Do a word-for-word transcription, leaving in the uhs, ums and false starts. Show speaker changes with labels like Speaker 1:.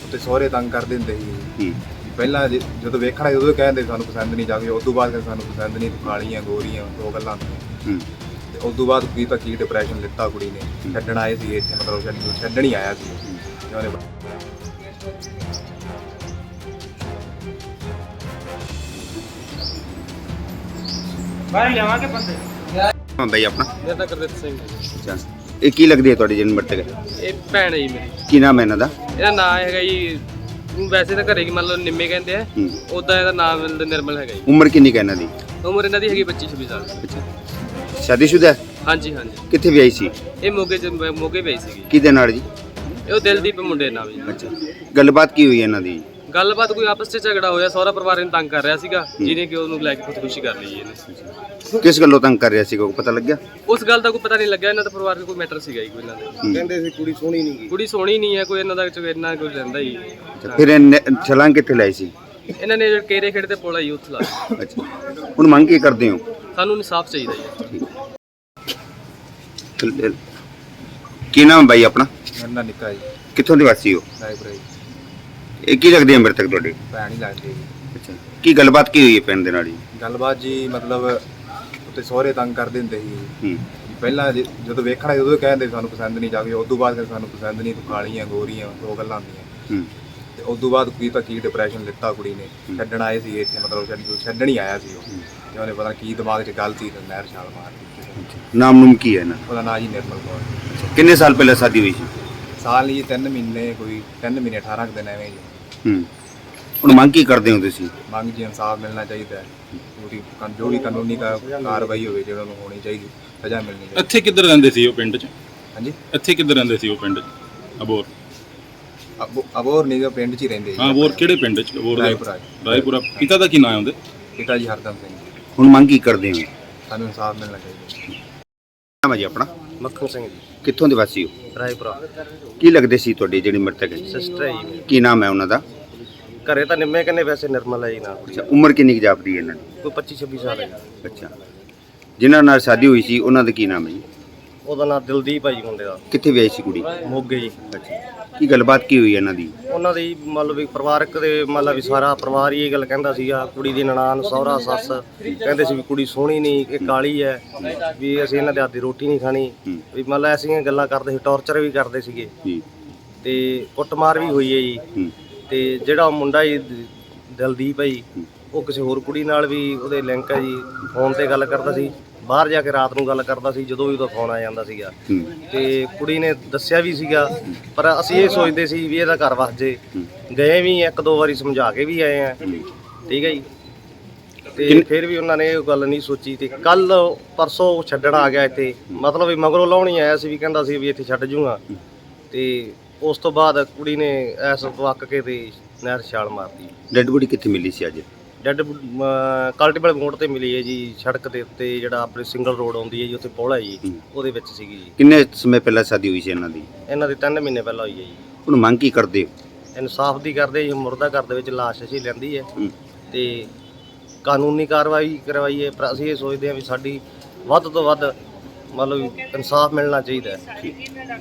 Speaker 1: ਤੇ ਸਹੁਰੇ ਤੰਗ ਕਰਦੇ ਹੁੰਦੇ ਸੀ।
Speaker 2: ਹੂੰ
Speaker 1: ਪਹਿਲਾਂ ਜ- ਜਦੋਂ ਵੇਖਣਾ ਉਦੋਂ ਕਹਿੰਦੇ ਸਾਨੂੰ ਪਸੰਦ ਨਹੀਂ ਜਾਂਦੀ, ਉਸ ਤੋਂ ਬਾਅਦ ਕਹਿੰਦੇ ਸਾਨੂੰ ਪਸੰਦ ਨਹੀਂ, ਤੂੰ ਕਾਲੀਆਂ ਗੋਰੀਆਂ ਦੋ ਗੱਲਾਂ ਹੁੰਦੀਆਂ।
Speaker 2: ਹੂੰ
Speaker 1: ਤੇ ਉਸ ਤੋਂ ਬਾਅਦ ਕੀ ਤਾਂ ਕੀ ਡਿਪਰੈਸ਼ਨ ਲਿੱਤਾ ਕੁੜੀ ਨੇ, ਛੱਡਣ ਆਏ ਸੀ ਇੱਥੇ, ਮਤਲਬ ਛੱਡ- ਛੱਡਣ ਹੀ ਆਇਆ ਸੀ ਤੇ ਉਹਨੇ
Speaker 3: ਬਾਹਰ ਲਿਆਵਾਂਗੇ ਬੰਦੇ।
Speaker 2: ਹਾਂ ਬਾਈ ਆਪਣਾ
Speaker 3: ਮੇਰਾ ਤਾਂ ਗੁਰਦਿੱਤ ਸਿੰਘ ਹੈ ਜੀ।
Speaker 2: ਅੱਛਾ ਇਹ ਕੀ ਲੱਗਦੀ ਹੈ ਤੁਹਾਡੀ ਜਨਮ ਮਰਤਕ?
Speaker 3: ਇਹ ਭੈਣ ਹੈ ਜੀ ਮੇਰੀ।
Speaker 2: ਕੀ ਨਾਮ ਹੈ ਇਹਨਾਂ ਦਾ?
Speaker 3: ਇਹਦਾ ਨਾਮ ਹੈਗਾ ਜੀ, ਵੈਸੇ ਤਾਂ ਘਰੇ ਕੀ ਮੰਨ ਲਓ ਨਿੰਮੇ ਕਹਿੰਦੇ ਆ,
Speaker 2: ਹੂੰ
Speaker 3: ਉਦਾਂ ਇਹਦਾ ਨਾਮ ਨਿਰਮਲ ਹੈਗਾ ਜੀ।
Speaker 2: ਉਮਰ ਕਿੰਨੀ ਕੁ ਹੈ ਇਹਨਾਂ ਦੀ?
Speaker 3: ਉਮਰ ਇਹਨਾਂ ਦੀ ਹੈਗੀ ਪੱਚੀ ਛੱਬੀ ਸਾਲ।
Speaker 2: ਅੱਛਾ ਸ਼ਾਦੀशुदा ਹੈ?
Speaker 3: ਹਾਂਜੀ ਹਾਂਜੀ।
Speaker 2: ਕਿੱਥੇ ਵਿਆਹੀ ਸੀ?
Speaker 3: ਇਹ ਮੋਗੇ ਚ ਮੋਗੇ ਪਈ ਸੀਗੀ।
Speaker 2: ਕਿਹਦੇ ਨਾਲ ਜੀ?
Speaker 3: ਇਹ ਉਹ ਦਿਲਦੀਪ ਮੁੰਡੇ ਨਾਲ ਜੀ।
Speaker 2: ਅੱਛਾ ਗੱਲਬਾਤ ਕੀ ਹੋਈ ਇਹਨਾਂ ਦੀ?
Speaker 3: ਗੱਲਬਾਤ ਕੋਈ ਆਪਸ ਵਿੱਚ ਝਗੜਾ ਹੋਇਆ, ਸਹੁਰਾ ਪਰਿਵਾਰ ਇਹਨੂੰ ਤੰਗ ਕਰ ਰਿਹਾ ਸੀਗਾ, ਜਿਹਨੇ ਕਿ ਉਹਨੂੰ ਲੈ ਕੇ ਖੁਦਕੁਸ਼ੀ ਕਰ ਲਈ ਜੀ ਇਹਨੇ।
Speaker 2: ਕਿਸ ਗੱਲੋਂ ਤੰਗ ਕਰ ਰਿਹਾ ਸੀ, ਕੋਈ ਪਤਾ ਲੱਗਿਆ?
Speaker 3: ਉਸ ਗੱਲ ਦਾ ਕੋਈ ਪਤਾ ਨਹੀਂ ਲੱਗਿਆ, ਇਹਨਾਂ ਦਾ ਪਰਿਵਾਰ 'ਚ ਕੋਈ ਮੈਟਰ ਸੀਗਾ ਜੀ ਕੋਈ ਇਹਨਾਂ ਦੇ।
Speaker 1: ਕਹਿੰਦੇ ਸੀ ਕੁੜੀ ਸੋਹਣੀ ਨਹੀਂ ਗਈ।
Speaker 3: ਕੁੜੀ ਸੋਹਣੀ ਨਹੀਂ ਹੈ ਕੋਈ, ਇਹਨਾਂ ਦਾ ਇੰਨਾ ਕੋਈ ਰਹਿੰਦਾ ਹੀ।
Speaker 2: ਅੱਛਾ ਫਿਰ ਇਹਨੇ ਛਲਾਂਗ ਕਿੱਥੇ ਲਾਈ ਸੀ?
Speaker 3: ਇਹਨਾਂ ਨੇ ਜਿਹੜੇ ਕੇਰੇ ਖੇਡ ਤੇ ਪੋਲਾ ਜੀ ਉੱਥੇ ਲਾ ਦਿੱਤਾ।
Speaker 2: ਅੱਛਾ ਹੁਣ ਮੰਗ ਕੀ ਕਰਦੇ ਹੋ?
Speaker 3: ਸਾਨੂੰ ਇਨਸਾਫ ਚਾਹੀਦਾ ਜੀ।
Speaker 2: ਠੀਕ। ਕੀ ਨਾਮ ਹੈ ਬਾਈ ਆਪਣਾ?
Speaker 1: ਮੇਰਾ ਨਿੱਕਾ ਜੀ,
Speaker 2: ਕਿੱਥੋਂ ਦੇ ਵਾਸੀ ਹੋ?
Speaker 1: ਰਾਏਪੁਰਾ ਜੀ।
Speaker 2: ਇਹ ਕੀ ਲੱਗਦੀ ਹੈ ਮਰਤਕ ਤੁਹਾਡੀ?
Speaker 1: ਭੈਣ ਹੀ ਲੱਗਦੀ ਜੀ।
Speaker 2: ਅੱਛਾ ਕੀ ਗੱਲਬਾਤ ਕੀ ਹੋਈ ਹੈ ਪਿੰਡ ਦੇ ਨਾਲ ਜੀ?
Speaker 1: ਗੱਲਬਾਤ ਜੀ ਮਤਲਬ ਉੱਤੇ ਸਹੁਰੇ ਤੰਗ ਕਰਦੇ ਹੁੰਦੇ ਸੀ।
Speaker 2: ਹੂੰ
Speaker 1: ਪਹਿਲਾਂ ਜ- ਜਦੋਂ ਵੇਖਣਾ ਉਦੋਂ ਕਹਿੰਦੇ ਸਾਨੂੰ ਪਸੰਦ ਨਹੀਂ ਜਾਂਦੀ, ਉਸ ਤੋਂ ਬਾਅਦ ਕਹਿੰਦੇ ਸਾਨੂੰ ਪਸੰਦ ਨਹੀਂ, ਤੂੰ ਕਾਲੀਆਂ ਗੋਰੀਆਂ ਦੋ ਗੱਲਾਂ ਹੁੰਦੀਆਂ।
Speaker 2: ਹੂੰ
Speaker 1: ਤੇ ਉਸ ਤੋਂ ਬਾਅਦ ਕੀ ਤਾਂ ਕੀ ਡਿਪਰੈਸ਼ਨ ਲਿੱਤਾ ਕੁੜੀ ਨੇ, ਛੱਡਣ ਆਏ ਸੀ ਇੱਥੇ, ਮਤਲਬ ਛੱਡ- ਛੱਡਣ ਹੀ ਆਇਆ ਸੀ ਉਹ। ਤੇ ਉਹਨੇ ਪਤਾ ਨੀ ਕੀ ਦਿਮਾਗ 'ਚ ਗੱਲ ਸੀ ਤੇ ਨਹਿਰ ਛਾਲ ਮਾਰ ਦਿੱਤੀ।
Speaker 2: ਨਾਮ ਨੂਮ ਕੀ ਹੈ ਇਹਨਾਂ?
Speaker 1: ਉਹਦਾ ਨਾਂ ਜੀ ਨਿਰਮਲ ਕੌਰ।
Speaker 2: ਕਿੰਨੇ ਸਾਲ ਪਹਿਲਾਂ ਸ਼ਾਦੀ ਹੋਈ ਸੀ?
Speaker 1: ਸਾਲ ਹੀ ਤਿੰਨ ਮਹੀਨੇ, ਕੋਈ ਤਿੰਨ ਮਹੀਨੇ ਅਠਾਰਾਂ ਕੁ ਦਿਨ ਐਵੇਂ ਜੀ।
Speaker 2: ਹੂੰ ਹੁਣ ਮੰਗ ਕੀ ਕਰਦੇ ਹੋ ਤੁਸੀਂ?
Speaker 1: ਮੰਗ ਜੀ ਇਨਸਾਫ ਮਿਲਣਾ ਚਾਹੀਦਾ ਹੈ, ਪੂਰੀ ਕਨ- ਜੋ ਵੀ ਕਾਨੂੰਨੀ ਕਾ- ਕਾਰਵਾਈ ਹੋਵੇ ਜਿਹੜਾ ਨੂੰ ਹੋਣੀ ਚਾਹੀਦੀ, ਸਜ਼ਾ ਮਿਲਣੀ ਚਾਹੀਦੀ।
Speaker 4: ਇੱਥੇ ਕਿੱਧਰ ਰਹਿੰਦੇ ਸੀ ਉਹ ਪਿੰਡ 'ਚ?
Speaker 1: ਹਾਂਜੀ
Speaker 4: ਇੱਥੇ ਕਿੱਧਰ ਰਹਿੰਦੇ ਸੀ ਉਹ ਪਿੰਡ 'ਚ? ਅਬੋਰ?
Speaker 1: ਅਬੋ- ਅਬੋਰ ਨਹੀਂ ਜੋ ਪਿੰਡ 'ਚ ਹੀ ਰਹਿੰਦੇ ਜੀ।
Speaker 4: ਹਾਂ ਅਬੋਰ ਕਿਹੜੇ ਪਿੰਡ 'ਚ? ਅਬੋਰ ਦਾ
Speaker 1: ਰਾਏਪੁਰਾ।
Speaker 4: ਰਾਏਪੁਰਾ। ਪਿਤਾ ਦਾ ਕੀ ਨਾਮ ਹੈ ਉਹਦੇ?
Speaker 1: ਪਿਤਾ ਜੀ ਹਰਦਮ ਸਿੰਘ ਜੀ।
Speaker 2: ਹੁਣ ਮੰਗ ਕੀ ਕਰਦੇ ਹੋ?
Speaker 1: ਸਾਨੂੰ ਇਨਸਾਫ ਮਿਲਣਾ ਚਾਹੀਦਾ।
Speaker 2: ਨਾਮ ਹੈ ਜੀ ਆਪਣਾ?
Speaker 3: ਮੱਖਣ ਸਿੰਘ ਜੀ,
Speaker 2: ਕਿੱਥੋਂ ਦੇ ਵਾਸੀ ਹੋ?
Speaker 3: ਰਾਏਪੁਰਾ।
Speaker 2: ਕੀ ਲੱਗਦੇ ਸੀ ਤੁਹਾਡੀ ਜਿਹੜੀ ਮਰਤਕ ਹੈ?
Speaker 3: ਸਿਸਟਰ ਹੈ ਜੀ।
Speaker 2: ਕੀ ਨਾਮ ਹੈ ਉਹਨਾਂ ਦਾ?
Speaker 3: ਘਰੇ ਤਾਂ ਨਿੰਮੇ ਕਹਿੰਦੇ, ਵੈਸੇ ਨਿਰਮਲ ਹੈ ਜੀ ਨਾਮ।
Speaker 2: ਅੱਛਾ ਉਮਰ ਕਿੰਨੀ ਕੁ ਜਾਪਦੀ ਹੈ ਇਹਨਾਂ ਦੀ?
Speaker 3: ਕੋਈ ਪੱਚੀ ਛੱਬੀ ਸਾਲ ਹੈ ਜੀ।
Speaker 2: ਅੱਛਾ ਜਿਨ੍ਹਾਂ ਨਾਲ ਸ਼ਾਦੀ ਹੋਈ ਸੀ ਉਹਨਾਂ ਦਾ ਕੀ ਨਾਮ ਹੈ ਜੀ?
Speaker 3: ਉਹਦਾ ਨਾਮ ਦਿਲਦੀਪ ਹੈ ਜੀ ਮੁੰਡੇ ਦਾ,
Speaker 2: ਕਿੱਥੇ ਵਿਆਹੀ ਸੀ ਕੁੜੀ?
Speaker 3: ਮੋਗੇ ਜੀ।
Speaker 2: ਅੱਛਾ ਕੀ ਗੱਲਬਾਤ ਕੀ ਹੋਈ ਇਹਨਾਂ ਦੀ?
Speaker 3: ਉਹਨਾਂ ਦੀ ਮੰਨ ਲਓ ਵੀ ਪਰਿਵਾਰਕ ਦੇ ਮੰਨ ਲਓ ਵੀ ਸਾਰਾ ਪਰਿਵਾਰ ਹੀ ਇਹ ਗੱਲ ਕਹਿੰਦਾ ਸੀਗਾ, ਕੁੜੀ ਦੀ ਨਨਾਣ ਸਹੁਰਾ ਸੱਸ ਕਹਿੰਦੇ ਸੀ ਵੀ ਕੁੜੀ ਸੋਹਣੀ ਨਹੀਂ, ਇਹ ਕਾਲੀ ਹੈ, ਵੀ ਅਸੀਂ ਇਹਨਾਂ ਦੇ ਹੱਥ ਦੀ ਰੋਟੀ ਨਹੀਂ ਖਾਣੀ,
Speaker 2: ਹੂੰ
Speaker 3: ਵੀ ਮੰਨ ਲਓ ਐਸੀਆਂ ਗੱਲਾਂ ਕਰਦੇ ਸੀ, ਟੌਰਚਰ ਵੀ ਕਰਦੇ ਸੀਗੇ
Speaker 2: ਜੀ
Speaker 3: ਤੇ ਕੁੱਟਮਾਰ ਵੀ ਹੋਈ ਹੈ ਜੀ।
Speaker 2: ਹੂੰ
Speaker 3: ਤੇ ਜਿਹੜਾ ਮੁੰਡਾ ਜੀ ਦਿਲਦੀਪ ਹੈ ਜੀ, ਉਹ ਕਿਸੇ ਹੋਰ ਕੁੜੀ ਨਾਲ ਵੀ ਉਹਦੇ ਲਿੰਕ ਹੈ ਜੀ, ਫੋਨ ਤੇ ਗੱਲ ਕਰਦਾ ਸੀ, ਬਾਹਰ ਜਾ ਕੇ ਰਾਤ ਨੂੰ ਗੱਲ ਕਰਦਾ ਸੀ ਜਦੋਂ ਵੀ ਉਹਦਾ ਫੋਨ ਆ ਜਾਂਦਾ ਸੀਗਾ।
Speaker 2: ਹੂੰ
Speaker 3: ਤੇ ਕੁੜੀ ਨੇ ਦੱਸਿਆ ਵੀ ਸੀਗਾ, ਪਰ ਅਸੀਂ ਇਹ ਸੋਚਦੇ ਸੀ ਵੀ ਇਹਦਾ ਘਰ ਵਸ ਜੇ। ਗਏ ਵੀ ਇੱਕ ਦੋ ਵਾਰੀ ਸਮਝਾ ਕੇ ਵੀ ਆਏ ਆ, ਠੀਕ ਹੈ ਜੀ, ਤੇ ਫਿਰ ਵੀ ਉਹਨਾਂ ਨੇ ਇਹ ਗੱਲ ਨਹੀਂ ਸੋਚੀ। ਤੇ ਕੱਲ ਪਰਸੋਂ ਛੱਡਣ ਆ ਗਿਆ ਇੱਥੇ, ਮਤਲਬ ਵੀ ਮਗਰੋਂ ਲਾਉਣ ਹੀ ਆਇਆ ਸੀ, ਵੀ ਕਹਿੰਦਾ ਸੀ ਵੀ ਇੱਥੇ ਛੱਡ ਜੂਗਾ। ਤੇ ਉਸ ਤੋਂ ਬਾਅਦ ਕੁੜੀ ਨੇ ਐਸ ਵਕ ਕੇ ਤੇ ਨਹਿਰ ਛਾਲ ਮਾਰਤੀ।
Speaker 2: ਡੈਡ ਬੋਡੀ ਕਿੱਥੇ ਮਿਲੀ ਸੀ ਅੱਜ?
Speaker 3: ਡੈਡ ਕਲਟੀਬਲ ਮੋੜ ਤੇ ਮਿਲੀ ਹੈ ਜੀ, ਸੜਕ ਦੇ ਉੱਤੇ ਜਿਹੜਾ ਆਪਣੇ ਸਿੰਗਲ ਰੋਡ ਆਉਂਦੀ ਹੈ ਜੀ, ਉੱਥੇ ਪੋਲ ਹੈ ਜੀ, ਉਹਦੇ ਵਿੱਚ ਸੀਗੀ ਜੀ।
Speaker 2: ਕਿੰਨੇ ਸਮੇਂ ਪਹਿਲਾਂ ਸ਼ਾਦੀ ਹੋਈ ਸੀ ਇਹਨਾਂ ਦੀ?
Speaker 3: ਇਹਨਾਂ ਦੀ ਤਿੰਨ ਮਹੀਨੇ ਪਹਿਲਾਂ ਹੋਈ ਹੈ ਜੀ।
Speaker 2: ਹੁਣ ਮੰਗ ਕੀ ਕਰਦੇ ਹੋ?
Speaker 3: ਇਨਸਾਫ ਦੀ ਕਰਦੇ ਜੀ, ਮੁਰਦਾ ਘਰ ਦੇ ਵਿੱਚ ਲਾਸ਼ ਅਸੀਂ ਲੈਂਦੀ ਹੈ
Speaker 2: ਹੂੰ
Speaker 3: ਤੇ ਕਾਨੂੰਨੀ ਕਾਰਵਾਈ ਕਰਵਾਈਏ, ਪਰ ਅਸੀਂ ਇਹ ਸੋਚਦੇ ਹਾਂ ਵੀ ਸਾਡੀ ਵੱਧ ਤੋਂ ਵੱਧ ਮਤਲਬ ਇਨਸਾਫ ਮਿਲਣਾ ਚਾਹੀਦਾ ਹੈ।